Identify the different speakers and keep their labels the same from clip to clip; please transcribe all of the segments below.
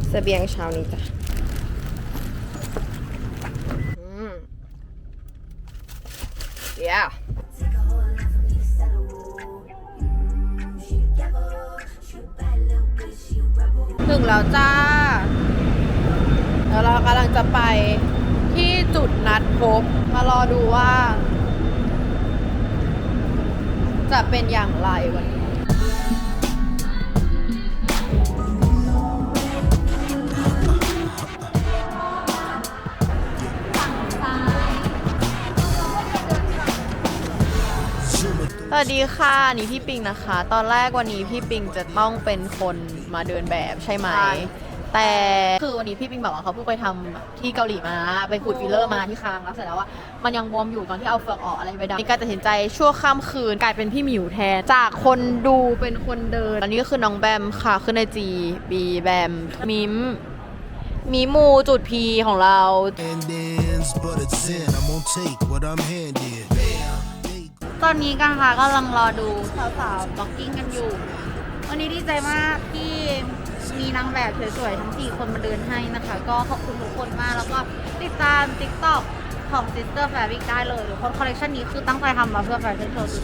Speaker 1: เสบียงเช้านี้จ้ะyeah ถึงแล้วจ้าแล้วเรากำลังจะไปที่จุดนัดพบมารอดูว่าจะเป็นอย่างไรวันนี้สวัสดีค่ะนี่พี่ปิงนะคะตอนแรกวันนี้พี่ปิงจะต้องเป็นคนมาเดินแบบใช่ไหมแต่คือวันนี้พี่ปิงบอกว่าเขาเพิ่งไปทำที่เกาหลีมาไปขูดฟิลเลอร์มาที่คางแล้วเสร็จแล้วว่ามันยังบวมอยู่ตอนที่เอาเฟือกออกอะไรไปดับมีการตัดสินใจชั่วข้ามคืนกลายเป็นพี่หมิวแทนจากคนดูเป็นคนเดินอันนี้ก็คือน้องแบมค่ะขึ้นในจีบีแบมมิมมีมูจุดพีของเราตอนนี้กันค่ะกำลังรอดูสาวๆบล็อกกิ้งกันอยู่วันนี้ดีใจมากที่มีนางแบบสวยๆทั้ง4คนมาเดินให้นะคะก็ขอบคุณทุกคนมากแล้วก็ติดตาม TikTok ของ Sister Fabric ได้เลยทุกคนคอลเลคชันนี้คือตั้งใจทำมาเพื่อแฟชั่นโชว์สุด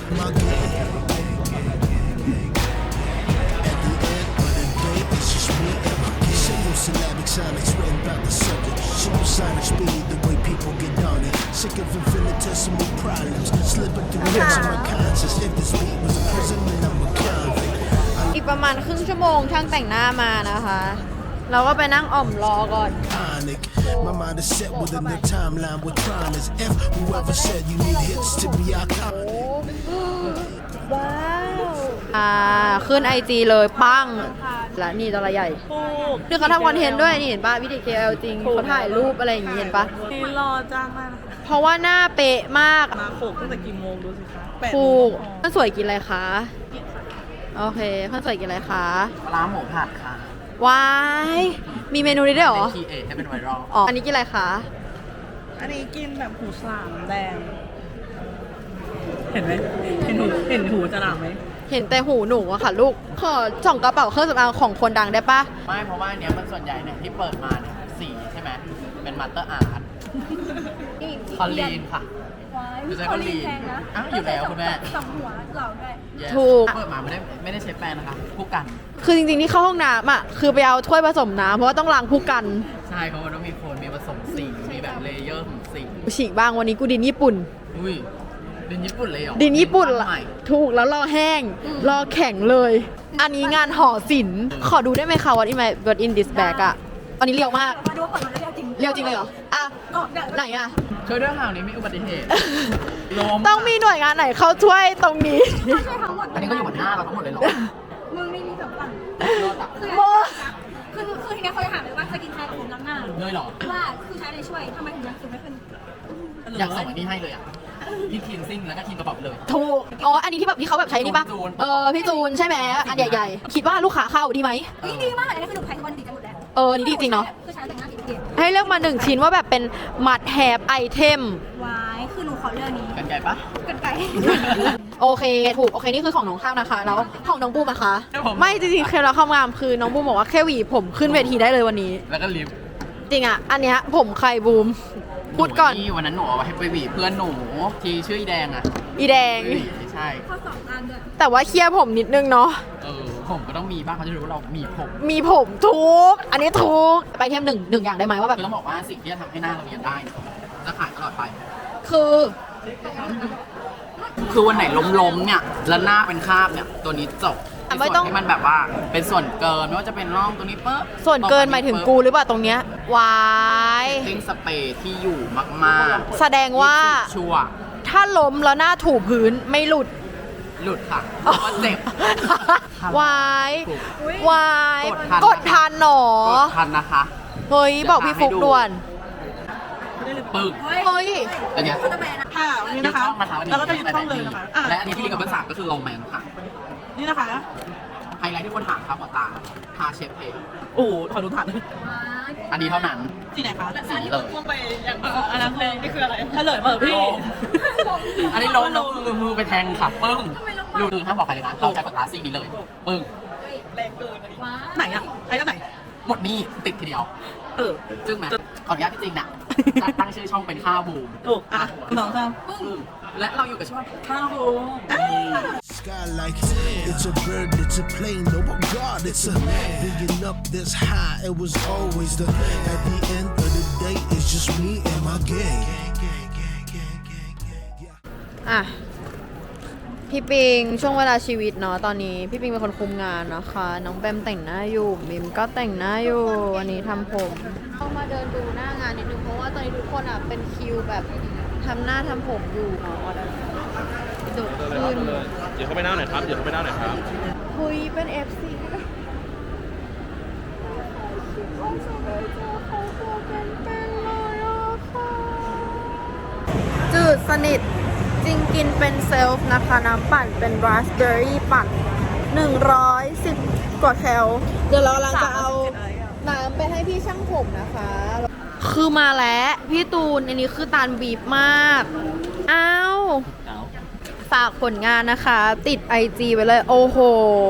Speaker 1: อีกประมาณครึ่งชั่วโมงช่างแต่งหน้ามานะคะเราก็ไปนั่งอ่อมรอก่อนว้าวขึ้น IG เลยปั้งและนี่ตัวใหญ่คือเขาทำคอนเทนต์ด้วยนี่เห็นป่ะวิดี KL จริงเขาถ่ายรูปอะไรอย่างงี้เห็นป่ะ
Speaker 2: นี่รอจ้างมาก
Speaker 1: เพราะว่าหน้าเป๊ะมาก
Speaker 2: มาโขกตั้งแต่กี่โมงดูสิคะ
Speaker 1: ถูกท่านสวยกินอะไรคะโอเคท่านสวยกินอะไรคะ
Speaker 3: ร้านหมูผัดค่ะ
Speaker 1: ว้ายมีเมนูนี้ด้วยเหรอ
Speaker 3: คีเอทให้เป็นไวรัล
Speaker 1: อ๋ออันนี้กินอะไรคะ
Speaker 2: อันนี้กินแบบหูฉลามแดงเห็นไหมเห็นหูฉลามไหม
Speaker 1: เห็นแต่หูหนูอะค่ะลูกขอส่องกระเป๋าเครื่องสำอางของคนดังได้ปะ
Speaker 3: ไม่เพราะว่าเนี้ยมันส่วนใหญ่เนี่ยที่เปิดมาเนี่ยสีใช่ไหมเป็นมัตเตอร์อาร์ตคอลลีนค่ะอยู่ใจคอลลีนอ้าวอยู่แล้วคุณแม่
Speaker 4: สองหัวเหล่าด้วย
Speaker 1: ถูก
Speaker 3: เปิดมาไม่ได้ใช้แป้งนะคะผู้กัน
Speaker 1: คือจริงๆที่เข้าห้องน้ำอะคือไปเอาถ้วยผสมน้ำเพราะว่าต้องล้างผู้กัน
Speaker 3: ใช่เพราะว่าต้องมีโคนมีผสมสีมีแบบเลเยอร์ของสี
Speaker 1: ฉีกบ้างวันนี้กูดินญี่ปุ่น
Speaker 3: อุ้ยดินญี่ปุ่นเลยเหรอ
Speaker 1: ดินญี่ปุ่นถูกแล้วรอแห้งรอแข็งเลยอันนี้งานห่อศิลป์ขอดูได้ไหมคะ what in this bag อะอันนี้เรียวมาก
Speaker 4: มาดูว่าเปิดมาแล้ว
Speaker 1: เรียวจริงเลยเหรออ่ะไหนอะ
Speaker 3: ช่วยด้วยข่าวนี้มีอุบัติเหตุ
Speaker 1: ต้องมีหน่วยงานไหนเข้าช่วยตรงนี้
Speaker 4: ช่วยทั้งหมด
Speaker 3: อันนี้ก็อยู่บนหน้าเราทั้งหมดเลยเหรอ
Speaker 4: มึงนี่มี2ฝั่งคือทีนี้เขาจะถามเลยว่าจะกินใครกับผมล้างหน้า
Speaker 3: เลยเหรอ
Speaker 4: ว่าคือใช้อะไรช่วยทำไมถึงยังคือไม่ขึ้น
Speaker 3: อยากส่งอันนี้ให้เลยอ่ะที่คลีนซิ่งแล้วก็คลีนกระเป๋าเลย
Speaker 1: ถูกอ๋ออันนี้ที่แบบที่เขาแบบใช้นี่ป่ะพี่จูนใช่ไหมอันใหญ่ๆคิดว่าลูกค้าเข้าดีไหม
Speaker 4: ดีมากอันนี้คือหนูแพงคนดีจังหมดแล้ว
Speaker 1: นี่ดีจริงเนาะ
Speaker 4: คือใช้แต่งหน้าดี
Speaker 1: ให้เลือกมา1ชิ้นว่าแบบเป็นมัดแฮปไอเทม
Speaker 4: ว้ายคือหนูขอเลือกนี้
Speaker 3: กันไก่ปะ
Speaker 4: กันไก่
Speaker 1: โอเคถูกโอเคนี่คือของน้องข้าวนะคะแล้วของน้องบูมนะคะไม่จริงๆเคล็ดลับความงามคือน้องบูมบอกว่าแค่หวีผมขึ้นเวทีได้เลยวันนี้
Speaker 3: แล้วก็ลิฟ
Speaker 1: จริงอ่ะอันเนี้ยผมใครบูมพูดก่อน
Speaker 3: วันนั้นหนูเอาให้ไปหวีเพื่อนหนูที่ชื่ออีแดงอ่ะ
Speaker 1: อีแดง
Speaker 3: ใช่
Speaker 4: ข้อ2 อันด้วย
Speaker 1: แต่ว่าเคลียร์ผมนิดนึงเนาะ
Speaker 3: ผมก็ต้องมีบ้างเขาจะรู้ว่าเรามี
Speaker 1: ผมทุกอันนี้ทุกไปเทมหนึ่งอย่างได้ไหมว่าแบบ
Speaker 3: ต้องบอกว่าสิ่งที่จะทำให้หน้าเราเรียนได้จะขายตลอดไปคือวันไหนล้มเนี่ยแล้วหน้าเป็นคราบเนี่ยตัวนี้จบส่วนที่มันแบบว่าเป็นส่วนเกินไม่ว่าจะเป็นร่องตัวนี้ปุ๊บ
Speaker 1: ส่วนเกินหมายถึงกูหรือเปล่าตรงเนี้ยวาย
Speaker 3: ติ้งสเปรย์ที่อยู่มาก
Speaker 1: ๆแสดงว่า
Speaker 3: ชัว
Speaker 1: ถ้าล้มแล้วหน้าถูพื้นไม่หลุด
Speaker 3: ค่ะเพราะว่าเจ็บ
Speaker 1: วายกดทันหนอก
Speaker 3: ดทันนะคะ
Speaker 1: เฮ้ยบอกพี่ฟุกด่วน
Speaker 3: ปึ้ง
Speaker 1: เฮ้ย
Speaker 3: อันนี้
Speaker 2: ค่ะนี่นะคะแล้วก็จะยึดช่องเลยนะคะ
Speaker 3: และอันนี้ที่ลิงก์กับภาษาก็คือโรแมนค่ะ
Speaker 2: นี่นะคะ
Speaker 3: ไฮไลท์ที่คนถามครับหมอตาทาเชฟเพย์
Speaker 2: โอ้โหขอดูถาด
Speaker 3: อันนี้เท่านั้น
Speaker 2: ที่ไหนคะ
Speaker 3: สีเลย
Speaker 2: พุ่งไปอย่างอันนั้นเลยนี่คืออะไรเฉลยเปิดพี่
Speaker 3: อันนี้ล้มแล้วมือไปแทงค่ะปึ้งดูห้ามบอกใครเลยนะเราใช้ปากกาซีนี้เลยปึ้ง
Speaker 2: แรงเกินไหนอ่ะไอ้เจ้าไหน
Speaker 3: หมดหนี้ติดทีเดียวจึ้งไหมขออนุญาตพี่จริงนะจะตั้งชื่อช่องเป็นข้าวบูม
Speaker 2: ถูกอ่ะสองค
Speaker 3: และเราอยู่กับช่องข้าวบูม
Speaker 5: Sky like it's a bird, it's a plane. Oh my God, it's a being up this high. It was always the at the end of the day, it's just me and my gang.
Speaker 1: อ่ะพี่ปิงช่วงเวลาชีวิตเนาะตอนนี้พี่ปิงเป็นคนคุมงานนะคะน้องแบมแต่งหน้าอยู่บิมก็แต่งหน้าอยู่วันนี้ทำผมเข้ามาเดินดูหน้างานนิดนึงเพราะว่าตอนนี้ทุกคนอ่ะเป็นคิวแบบทำหน้าทำผมอยู่เนาะดุขึ้น
Speaker 6: เดี๋ยวเข้าไปหน้าหน่อยครับ เดี๋ยวเข้าไปหน้าหน่อยครับ
Speaker 1: คุยเป็น FC จืดสนิทจริงกินเป็นเซลฟ์นะคะน้ำปั่นเป็นราสเบอร์รี่ปั่น110 กว่าแคลเดี๋ยวเรากำลังจะเอาน้ำไปให้พี่ช่างผมนะคะ คือมาแล้วพี่ตูนอันนี้คือตาลบีบมากอ้าวฝากผลงานนะคะ ติด IG ไว้เลย โอ้โห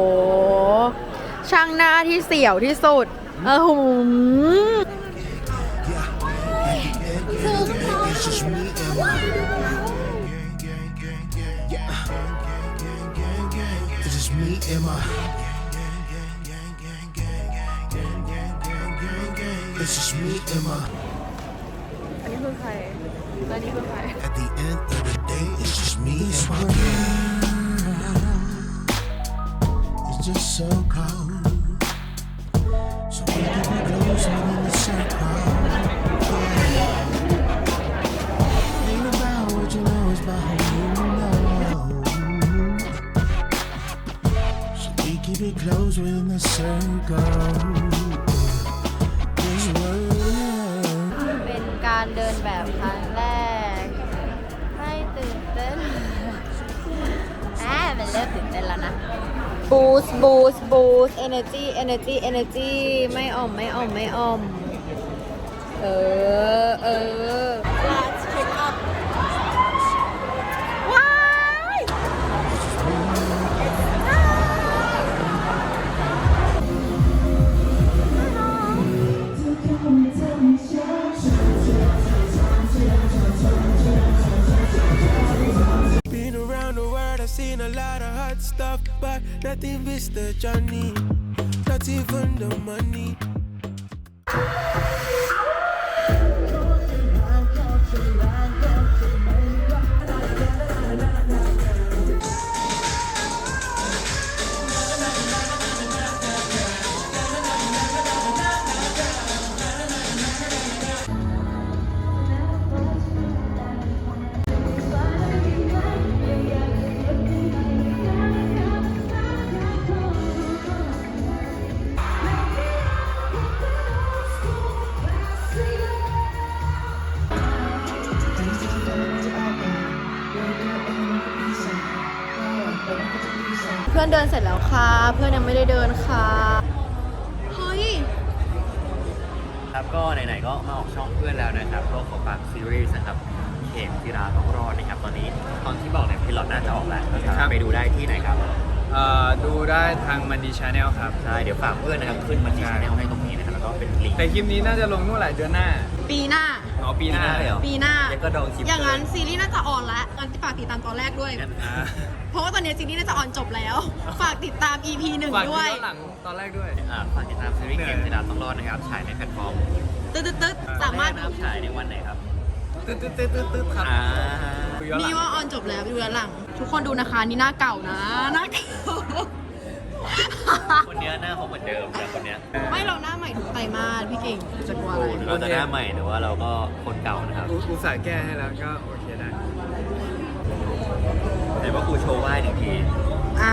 Speaker 1: ช่างหน้าที่เสี่ยวที่สุด
Speaker 5: It's just me and my It's just me and my It's just me and my
Speaker 1: อันนี้คือใครและนี่คือใคร
Speaker 5: At the end of the day, it's just me and my gang. It's just so cold. So we can be close out in the circle. Ain't about what you know, it's about who you know. So we keep it close within the circle. This world.
Speaker 1: เป็นการเดินแบบครั้งแรกไม่ตื่นเต้นมันเริ่มตื่นเต้นแล้วนะ boost boost boost energy energy energy ไม่อ่อมไม่อ่อมไม่อ่อมlet's pick up ว้าย
Speaker 7: Been around the world, I've seen a lot of hot stuff, but nothing beats the journey, not even the money.
Speaker 1: เพื่อนเดินเสร็จแล้วค่ะ เพื่อนยังไม่ได้เดินค่ะ เฮ้ย
Speaker 8: ครับก็ไหนๆก็มาออกช่องเพื่อนแล้วนะครับก็ขอฝากซีรีส์นะครับเข็มจิราต้องรอดนะครับตอนนี้ตอนที่บอกเนี่ยพิลอตน่าจะออกแล้วก็สามารถไปดูได้ที่ไหนครับ
Speaker 6: ดูได้ทางมันดีชาแนลครับ
Speaker 8: ใช่เดี๋ยวฝากเพื่อนนะครับขึ้นมาที่ชาแนลให้ตรงนี้นะครับแล้วก็เป็นลิงก์
Speaker 6: แต่คลิปนี้น่าจะลงเมื่อไหร่เดือนหน้า
Speaker 1: ปีหน้า
Speaker 6: อ๋อปีหน้า
Speaker 8: เลยเหรอ
Speaker 1: ปีหน้า
Speaker 8: แล้วก็ดองคลิป
Speaker 1: อย่างนั้นซีรีส์น่าจะออนแล้วงั้นฝากติดตามตอนแรกด้วย
Speaker 6: อ่า
Speaker 1: เพราะว่าตอนนี้ซีรีส์น่าจะออนจบแล้ว ฝากติดตาม EP
Speaker 6: ฝาก
Speaker 1: 1
Speaker 6: ดู
Speaker 1: ด้วย
Speaker 6: ย้อนหลังตอนแรกด้วย
Speaker 8: ฝากติดตามซีรีส์เข็มจิราต้องรอดนะครับฉายในแพลตฟอร์ม
Speaker 1: ตึ๊ดสามารถ
Speaker 8: นะครับฉายในวันไหนครับ
Speaker 6: ตึ๊ดครับ ดูย้อนหลั
Speaker 1: นี่
Speaker 6: ง
Speaker 1: ว่าออนจบแล้วดูย้อนหลัง ทุกคนดูนะคะ นี่หน้าเก่านะ หน้าเก่า
Speaker 8: คนเนี้ยหน้าเขาเหมือนเดิมแต่คนเนี้ย
Speaker 1: ไม่เราหน้าใหม่ทุกไตรมาสพี่เก่งจะกลัวอะไร
Speaker 8: เราจะหน้าใหม่หรือว่าเราก็คนเก่านะครับ
Speaker 6: อุตส่าห์แก้ให้แล้วก็โอเคได้
Speaker 8: เดี๋ยวว่าครูโชว์ไหว้หนึ่งที
Speaker 1: อ่า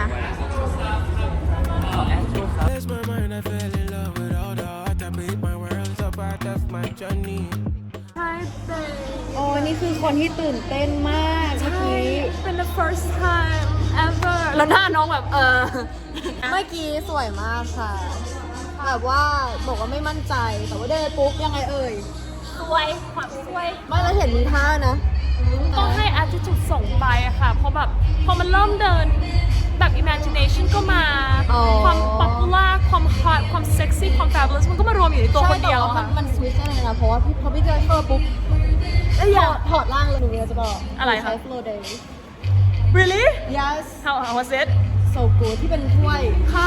Speaker 7: Lost my mind, I fell in love with all the art that made my world so part of my journey.
Speaker 1: โอ้นี่คือคนที่ตื่นเต้นมากเมื่อกี้
Speaker 9: เป็น the first time ever แล้วหน้าน้องแบบ
Speaker 1: เมื่อกี้สวยมากค่ะ แบบว่าบอกว่าไม่มั่นใจ แต่ว่าเดินปุ๊บยังไงเอ่ย
Speaker 9: สวยความสวย
Speaker 1: ไม่เราเห็นมีท่านะ
Speaker 9: ต้องให้ attitude ส่งไปอะค่ะ เพราะแบบพอมันเริ่มเดินแบบ imagination ก็มา
Speaker 1: อ๋อ
Speaker 9: ความ popular ความ hot ความ sexy ความแฟ Fabulous มันก็มารวมอยู่ในตัวคนเดียว
Speaker 1: ใช่แต่า
Speaker 9: ค่ะ
Speaker 1: มันสวิตช์อะไรนะเพราะว่าพอพี่เจอเธอปุ๊บถอดร่างเลยหนูจะบอก
Speaker 9: อะไรคะ
Speaker 1: ใช้ Flow Day
Speaker 9: Really
Speaker 1: yes
Speaker 9: How was it
Speaker 1: so good ที่เป็นถ้วย
Speaker 9: ค่ะ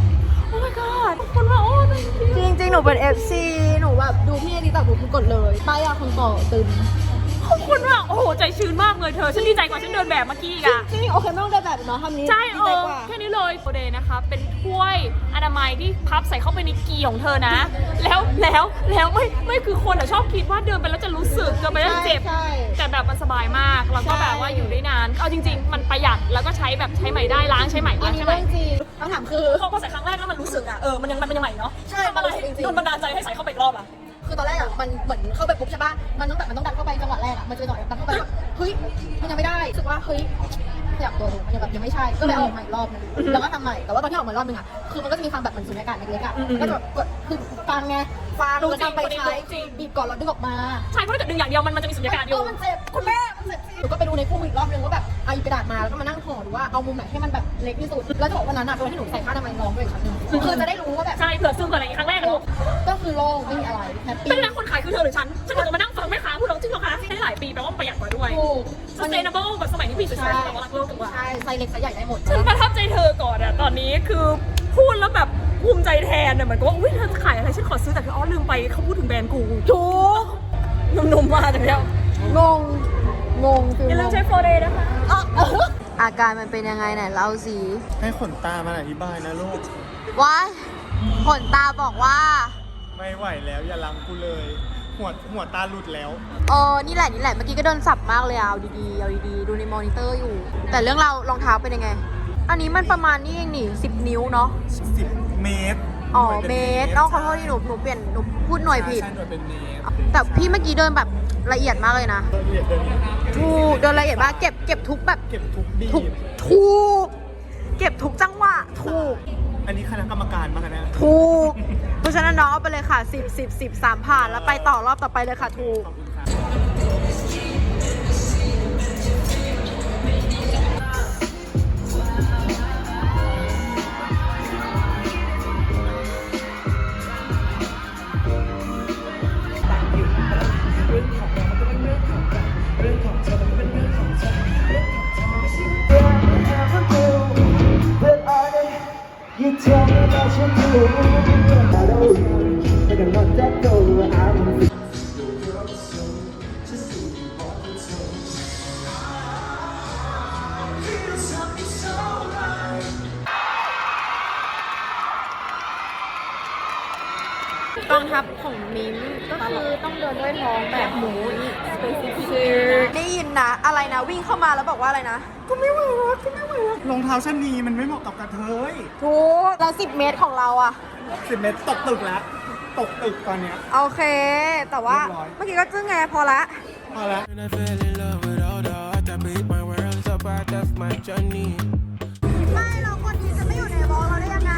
Speaker 9: Oh my god ขอบคุณมากโอ้ thank you
Speaker 1: จริงๆ หนูเป็น FC หนูแบบดูพี่นี่ตักหนูกดเลยป้ายยาคนต่อตึม
Speaker 9: ขอบคุณมากโอ้โหใจชื้นมากเลยเธอฉันดีใจกว่าฉันเดินแบบเมื่อกี้อีกอะ
Speaker 1: จริงๆโอเคไม่ต้องเดินแบบเนาะทำนี้
Speaker 9: ใช่
Speaker 1: ดีใจกว่า
Speaker 9: แค่นี้เลยโอเดย์นะคะ เป็นถ้วยอนามัยที่พับใส่เข้าไปในกีของเธอนะ แล้วไม่คือคนอะชอบคิดว่าเดินไปแล้วจะรู้สึกเดินไปแล้วจะเจ็บ
Speaker 1: ใช่
Speaker 9: แต่แบบมันสบายมากแล้วก็แบบว่าอยู่ได้นานเอาจริง ๆ มันประหยัดแล้วก็ใช้แบบใช้ใหม่ได้ล้างใช้ใหม่
Speaker 1: อั
Speaker 9: ล้าน ง
Speaker 1: นี้
Speaker 9: ใช้ใหม่
Speaker 1: เรื่องจริงคำถามคือ
Speaker 9: พอใส่ครั้งแรกแล้วมันรู้สึกอะมันยังใหม่เนาะ
Speaker 1: ใช่
Speaker 9: ทำอะไร
Speaker 1: จริงๆ
Speaker 9: โดนบันดาลใจให้ใส่เข้าไปอีกรอบอะ
Speaker 1: คือตอนแรกอะมันเหมือนเข้าไปปุ๊บใช่ป่ะมันต้องดันเข้าไปจังหวะแรกอะมันจะหน่อยดันเข้าไปแบบเฮ้ยมันยังไม่ได้รู้สึกว่าเฮ้ยขยับตัวดูมันยังไม่ใช่ก็เลยเอาออกมาอีกรอบนึงแล้วก็ทำใหม่แต่ว่าตอนที่ออกมารอบนึงอะคือมันก็จะมีความแบบเหมือนสุญญากาศเล็กๆอะก็จะแบบกดคือฟังไงฟังแล้วนำไปใช้บีบก่อนแล้วดึงออกมา
Speaker 9: ใช่เพราะถ้าเกิดดึงอย่างเดียวมันจะมีสุญญากาศอยู่
Speaker 1: มันเจ็บคุณแม่มันเจ็บหนูก็ไปดูในคู่มืออีกรอบนึงว่าแบบเอากระดาษมาแล้วก็มานั่งห่อดูว่าเอามุมไหนให้มันแบบเล็กที่สุดแล้วจะบอกวันนั้นอะเป็นวันที่หนูใส่ผ้าอนามัยน้องด้วยอีกครั้งนึงคือจะได้รู้ว่าแบบ
Speaker 9: ใช่เผื่อซึมอะไรครั้งแรกอะลูก
Speaker 1: ก็คือโล่งไม่มีอะไรแฮปปี้
Speaker 9: เป็นนักคนขายคือเธอหรือฉันควรจะมานั่งฟังแม่ค้าพูดเราจริงเหรอคะได้หลายปีแปลว่ามันประหยัดกว่าด้วย
Speaker 1: ถูก
Speaker 9: sustainable แบบสมัยนี้มี sustainable แต่ว่ารักโลกกว่า
Speaker 1: ใช่ไซส์เล็กไซส์ใหญ่ได้หมด
Speaker 9: ฉันประทับใจเธอก่อนอะตอนนี้คือพูดแล้วแบบภูมิใจแทนอะเหมือนกับว่าอุ้ยเธอจะขายอะไรฉันขอซื้อแต่คืออ๋อลืมไปเขาพูดถึงแบรนด์กู
Speaker 1: ถูก
Speaker 9: หนุ่มๆมาจากแล้ว
Speaker 1: งงฟิล
Speaker 9: อย่าลืมใช้โฟเดย์นะคะ
Speaker 1: อาการมันเป็นยังไงไหนเล่าสิ
Speaker 6: ให้ขนตามาอธิบายนะลูก
Speaker 1: ว้ายขนตาบอกว่า
Speaker 6: ไม่ไหวแล้วอย่าลังกูเลย หัวตาหลุดแล้ว
Speaker 1: นี่แหละเมื่อกี้ก็โดนสับมากเลยเอาดีๆดูในมอนิเตอร์อยู่ แต่เรื่องเรารองเท้าเป็นยังไง อันนี้มันประมาณนี้เองนี่10 นิ้วเนาะ
Speaker 6: 10 เมตร
Speaker 1: อ๋อเมตรขอโทษที่หนูเปลี่ยนหนูพูดหน่วยผิด
Speaker 6: ใช่หน่วยเป็นเมตร
Speaker 1: แต่พี่เมื่อกี้เดินแบบละเอียดมากเลยนะ
Speaker 6: ละเอียดเลย
Speaker 1: ถูกเดินละเอียดมากเก็บทุกแบบ
Speaker 6: เก็บทุกบี
Speaker 1: ถูก
Speaker 6: บ
Speaker 1: เก็บทุกจังหวะถูก
Speaker 6: อันนี้คณะกรรมการมาคะเนี่ย
Speaker 1: ถูกเพราะฉะนั้นน้องเอาไปเลยค่ะ10 3ผ่านแล้วไปต่อรอบต่อไปเลยค่ะถูก
Speaker 6: ขอบคุณค่ะ
Speaker 5: You tell me that you do. I don't but I'm not that cold. I'm
Speaker 1: กองทัพของมิ้มก็คือต้องเดินด้วยท้องแบบหมูอีกได้ยินนะอะไรนะวิ่งเข้ามาแล้วบอกว่าอะไรนะก็ไม่ไหวแล้ว
Speaker 6: รองเท้าชั้นนี้มันไม่เหมาะกับกระเทย
Speaker 1: ถูกแล้ว10 เมตรของเราอะ
Speaker 6: 10 เมตรตกตึกแล้ว ตกตึกตอนเนี้ย
Speaker 1: โอเค แต่ว่า
Speaker 6: เรียบร้อย
Speaker 1: เมื่อกี้ก็จึ้งไงพอละ
Speaker 6: พอแล้ว
Speaker 7: When I fell in love with all the art that made my world so part of my journey.
Speaker 1: ไม่เราคนนี้จะไม่อยู่ในวอลเราได้ยังไง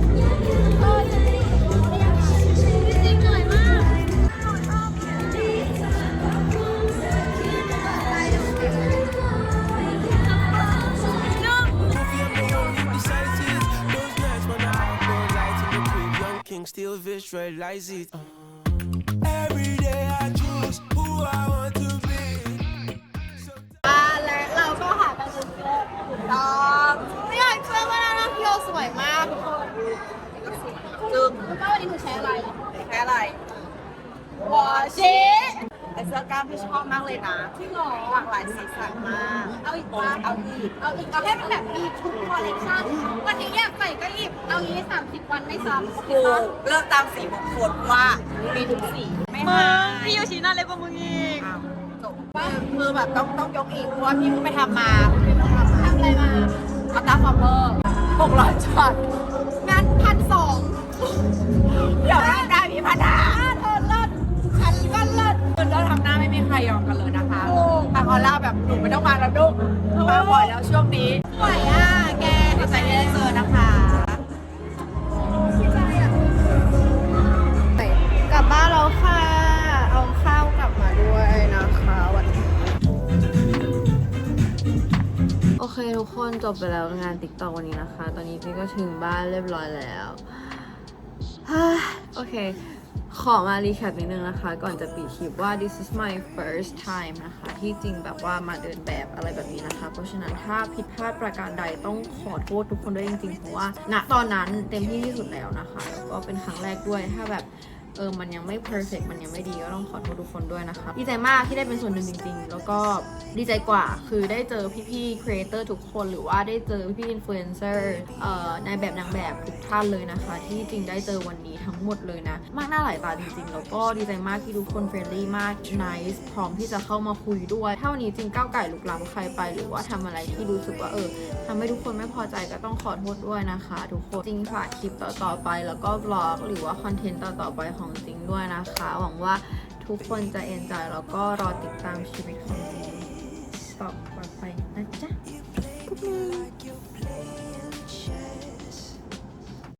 Speaker 7: King still visualize it. Every day I choose who I want to be.
Speaker 1: และเราก็หากันจนเจอถูกต้องไม่อยากเชื่อว่าหน้าพี่โอสวยมากทุกคนจึงแล้วก็วันนี้หนูใช้อะไร
Speaker 2: แค่อะไร
Speaker 1: วอชิ
Speaker 2: ไอเสื้อกล้ามที่ชอบมากเลยนะ
Speaker 1: ที่หรอ
Speaker 2: หลากหลายสีสันมาก
Speaker 1: เอาอีกป่ะ
Speaker 2: เอาอีก
Speaker 1: เอาให้มันแบบมีทุกคอลเลคชันวันนี้อยากใส่ก็หยิบเอางี้30 วันไม่ซ้ำ
Speaker 2: ถูกเลือกตามสีมงคลว่ามีทุกสีไม่หาย
Speaker 9: พี่โยชิน่าเล็กกว่ามึงอีก
Speaker 2: อ้าวจบคือแบบต้องยกอีกเพราะว่าพี่เพิ่งไปทำมา
Speaker 1: ทำอะไรมา
Speaker 2: อัตราฟอร์เมอร์600ช็อต
Speaker 1: งาน1,200
Speaker 2: เดี๋ยวได้มีพันหา
Speaker 1: เธอเลิศฉันก็เลิศ
Speaker 2: คือเราทำหน้าไม่มีใครยอมกันเลยนะคะแต่ออร่าแบบหนูไม่ต้องมาแล้วลูกไม่ไหวแล้วช่วงนี้
Speaker 1: ไหวอ่ะแก
Speaker 2: ดีใจที่ได้เจอนะคะ
Speaker 1: กลับบ้านแล้วค่ะ เอาข้าวกลับมาด้วยนะคะวันนี้โอเคทุกคนจบไปแล้วงาน TikTok วันนี้นะคะ ตอนนี้พี่ก็ถึงบ้านเรียบร้อยแล้ว โอเค ขอมารีแคปนิดนึงนะคะ ก่อนจะปิดคลิปว่า this is my first time นะคะ ที่จริงแบบว่ามาเดินแบบอะไรแบบนี้นะคะ เพราะฉะนั้นถ้าผิดพลาดประการใดต้องขอโทษทุกคนด้วยจริงๆ เพราะว่าณตอนนั้นเต็มที่ที่สุดแล้วนะคะ แล้วก็เป็นครั้งแรกด้วย ถ้าแบบมันยังไม่ perfect มันยังไม่ดีก็ต้องขอโทษทุกคนด้วยนะคะ ดีใจมากที่ได้เป็นส่วนหนึ่งจริงๆ แล้วก็ดีใจกว่าคือได้เจอพี่ๆ creator ทุกคนหรือว่าได้เจอพี่ๆ influencer ในแบบนางแบบทุกท่านเลยนะคะ ที่จริงได้เจอวันนี้ทั้งหมดเลยนะ มากหน้าหลายตาจริงๆ แล้วก็ดีใจมากที่ทุกคน friendly มาก nice พร้อมที่จะเข้ามาคุยด้วย ถ้าวันนี้จริงก้าวไก่ลุกล้ำใครไปหรือว่าทำอะไรที่รู้สึกว่าทำให้ทุกคนไม่พอใจก็ต้องขอโทษด้วยนะคะ ทุกคนจริงฝากคลิปต่อๆไปแล้วก็บล็อกหรือว่าคอนเทนต์ต่อๆไปของจริงด้วยนะคะ หวังว่าทุกคนจะเอนจอยแล้วก็รอติดตามชีวิตของจริง